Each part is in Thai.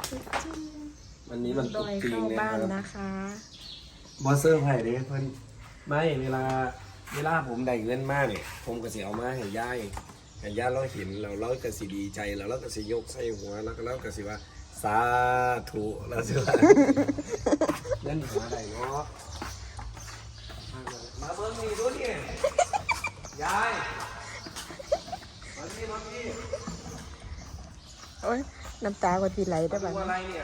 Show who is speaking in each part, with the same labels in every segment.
Speaker 1: วันนี้มัน
Speaker 2: ดอยเข้าบ้านนะคะ
Speaker 1: บอสเซอร์ไผ่เด้เพิ่นไม่เวลาผมได้เงินมากเนี่ยผมก็สิเอามาให้ย่าเราเห็นเราก็สิดีใจแล้วเราก็สิยกใส่หัวแล้วก็สิว่าสาธุแล้วสิว่าเงินหาได้เนาะมาเบิ่งนี่ดูนี่ยายมานี่
Speaker 2: โอ้ยน้ำตาก็ทีไหลได้บ้าง
Speaker 1: อะไรเนี่ย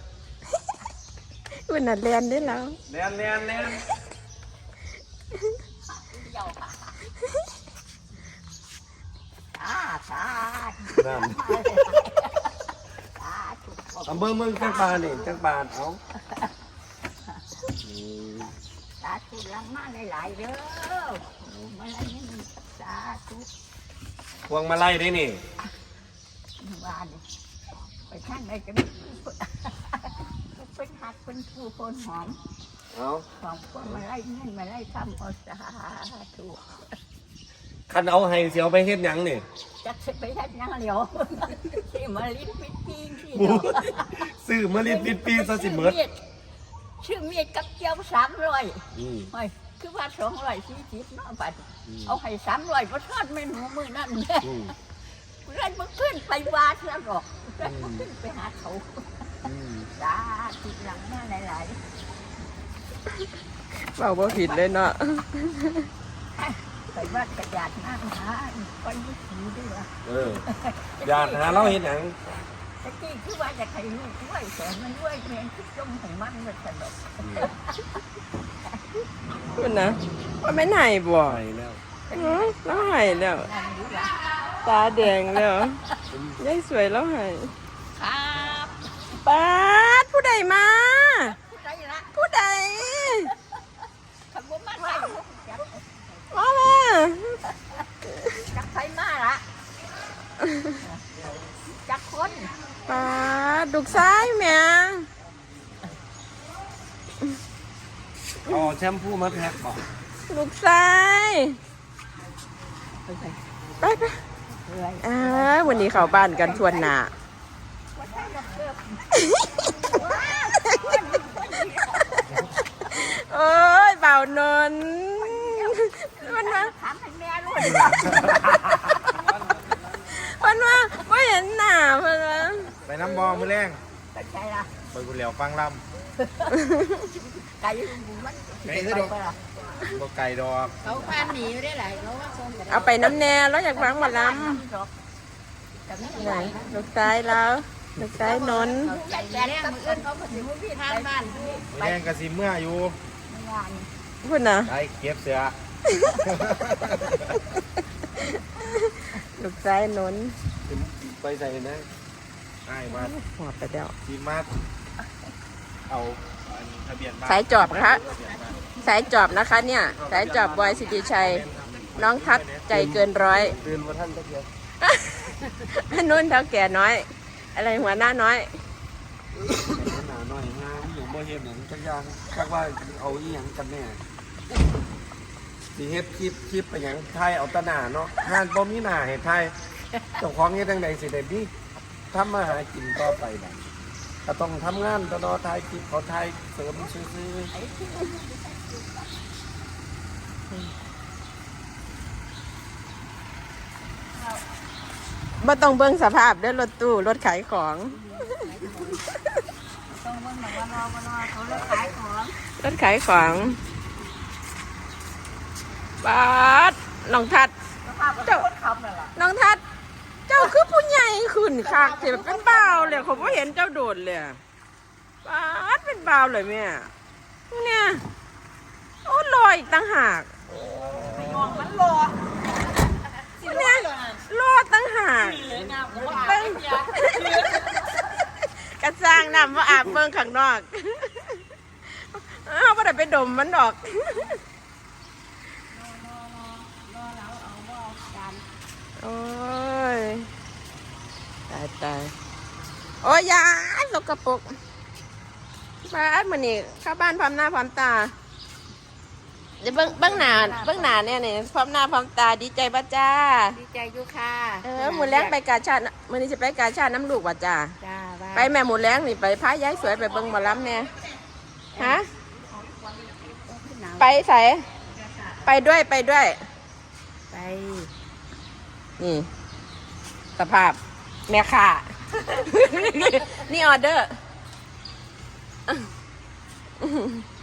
Speaker 2: วันนั้นเรียนได้แล้ว
Speaker 1: แลน
Speaker 3: เดี๋ยวค่ะสาธุ
Speaker 1: นั่น
Speaker 3: สาธุ
Speaker 1: เอาเบิ่งจังปานี่จังปาเอา
Speaker 3: สาธุลังมาหลายๆเด้อมาอะไรนี่สาธุ
Speaker 1: พวงมาไล่ได้นี่
Speaker 3: บ้านไปท่านไหนจะเป็นหักเป็นผู้คนหอม
Speaker 1: เอา
Speaker 3: ของคนมาไล่เงินมาไล่ทำเอาสาธุ
Speaker 1: คันเอาให้เสียวไปเฮ็ดหยังนี่
Speaker 3: จะไปทัดยังเหลียวที่มาลิ้นปิดปีนที่
Speaker 1: ซื้อมาลิดปิดปีซะสิเบิด
Speaker 3: ชื่อเมียกับเจียว300ไม่คือว่า240เนาะบัดเอาให้300บ่ทอดไม่หนูมือนั่นแม่เพื่อนบ่ขึ้นไปวาดแล้วหรอกเพื่อนบ่ขึ้นไปหาเขาสาธุหลังมาหลาย
Speaker 2: เบาบ่ผิดเลยเนาะ
Speaker 3: ๆไปวาดกระดาษหน้าหาไปยึดถือด้วยว่า
Speaker 1: อยากหาเราเฮ็ดหยัง
Speaker 3: ตะกี้คือว่าจะให้ลูกด้วยแต่มันด้วยแม่งคือจมของมันมันสนุก
Speaker 2: คุณนะว่าไม่ไหนบ่
Speaker 1: ไปแล้ว
Speaker 2: แล้วหายแล้ว
Speaker 3: นั่นอยู่ล่ะ
Speaker 2: ตาแดงแล้วยายสวยแล้วหาย
Speaker 3: ครับ
Speaker 2: ป้าดผู้ใดมา
Speaker 3: ผู้ใดละ
Speaker 2: ผู้ใด
Speaker 3: ขับรถมาใส่จัก
Speaker 2: มามา
Speaker 3: จักไฟมาละจักคน
Speaker 2: ป้าดลูกซ้ายแม่
Speaker 1: เอาแชมพูมาแพ็คบ่
Speaker 2: ลูกซ้าย
Speaker 3: ไปใส่
Speaker 2: ไปไป
Speaker 3: เรื่อย
Speaker 2: วันนี้เข้าบ้านกันทวนหน้า
Speaker 3: ว่าใช่ดอกเกือบ
Speaker 2: โอ้ยเบานนท์มันมา
Speaker 3: ถามให้แม่รู้
Speaker 2: มันมาไม่เห็นหน้ามันมา
Speaker 4: ไปน้ำบอมือแรง
Speaker 3: ไปใช่ละ
Speaker 4: ไปกุเหลียวฟังล
Speaker 3: ไก่มัน
Speaker 4: ำไก่คือดอกบ่ไก่ดอก
Speaker 3: เขาพานหนีได้หลายเขาว่าส่งกัน
Speaker 2: เอาไปน้ำแน่แล้วอยากฟังหมาล
Speaker 3: แต่ไม่
Speaker 2: ำ
Speaker 3: ไห
Speaker 2: ไห
Speaker 3: น
Speaker 2: นลูกซ้ายแล้วลูกซ้ายนนท์
Speaker 3: ใหญ่แก่กับเอื้อนเขาปฏิวัติทานบ้าน
Speaker 4: มือแรงกะสิเมื่ออยู่
Speaker 3: งาน
Speaker 2: พูดนะ
Speaker 4: ไปเก็บเสือ
Speaker 2: ลูกซ้ายนนท์
Speaker 1: ไปใส่นะ
Speaker 4: ไอ้มา
Speaker 2: หอบไปแล้ว
Speaker 4: ทีมาเอาทะเบียนบ้าน
Speaker 2: สายจอบนะคะสายจอบนะคะเนี่ยสายจอบบอยสิริชัยน้องทัดใจเกินร้อย
Speaker 1: ตื่นบ่ทันจักเดียว
Speaker 2: นุ่นเท่าแก่น้อย อะไรหัวหน้าน้อย
Speaker 1: หนาหน่อยงามอยู่บ่เฮ็ดหยังจักอย่างจักว่าเอาอีหยังกันแน่สิเฮ็ดคลิปไปหยังถ่ายเอาแตะหน้าเนาะงานบ่มีหน้าให้ถ่ายเจ้าของเฮ็ดจังไดสิได้มีทำมาหากินต่อไปบัดก็ต้องทำงานตลอดถ่ายคลิปเขาถ่ายเสริมซื่อ
Speaker 2: บ่ต้องเบิ่งสภาพเด้อรถตู้รถขายของ
Speaker 3: ต้องมันแบบว่ารอเขาเลิกขายของ
Speaker 2: รถขายของบาดน้องทัด
Speaker 3: สภาพก็คนขับนั่นแหละ
Speaker 2: น้องทัด เจ้าคือผู้ใหญ่ขึ้นคักสิเป็นบ่าวเลยเขาบ่เห็นเจ้าโดดเลยบาดเป็นบ่าวเลยแม่เนี่ยโอ้ลอยอีกต่างหาก
Speaker 3: มองมันรอ
Speaker 2: เนี่ยรอดตั้งหากตั้งกระจ้างน้ำว่าอาบเบิ่งข้างนอกเอาไม่ได้ไปดมมันดอกโอ้ยตายโอ้ยยายสกปรกบ้านมันนี่เข้าบ้านพร้อมหน้าพร้อมตาเดี๋ยวเบิ้งหน้าเนี่ยพร้อมหน้าพร้อมตาดีใจป่ะจ้า
Speaker 3: ดีใจอยู่ค่ะ
Speaker 2: หมูแรงไปกาชาดมื้อนี้จะไปกาชาดน้ำลูกว่ะจ้า
Speaker 3: จ้าว่า
Speaker 2: ไปแม่หมูแรงนี่ไปพายายสวยไปเบิ่งหมอลำเนี่ยฮะไปใส่ไปด้วยไปด้วย
Speaker 3: ไป
Speaker 2: นี่สภาพแม่ค่ะ นี่ออเดอร์